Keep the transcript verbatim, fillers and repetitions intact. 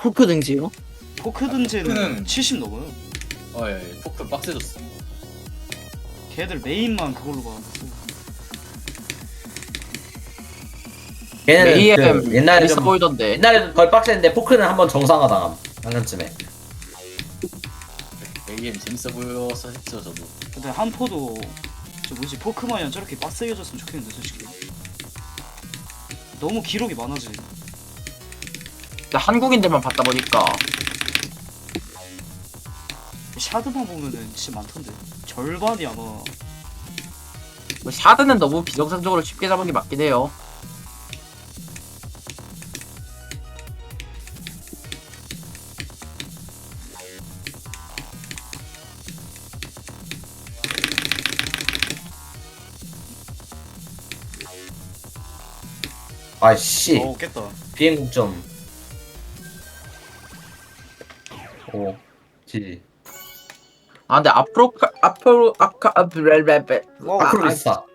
포크 등지요? 포크 든지는 포크는- 칠십 넘어요. 어, 예, 예. 포크 빡세졌어. 걔들 메인만 그걸로 봐서. 걔네는 에이엠 그 옛날에 있어 좀 보이던데. 옛날에도 거의 빡셌는데 포크는 한번 정상화 당함 작년쯤에. 에이엠 재밌어 보여서 했죠, 저도. 근데 한 포도 저 뭐지 포크마냥 저렇게 빡세게 졌으면 좋겠는데 솔직히. 너무 기록이 많아지. 근데 한국인들만 봤다 보니까 샤드만 보면은 진짜 많던데. 절반이 아마 뭐 샤드는 너무 비정상적으로 쉽게 잡은 게 맞긴 해요. 아씨 어 깼다. 비행 국점. 오 지지. 아 근데 앞으로 카- 앞으로 아카 아브렐베베 어, 아크로비스타.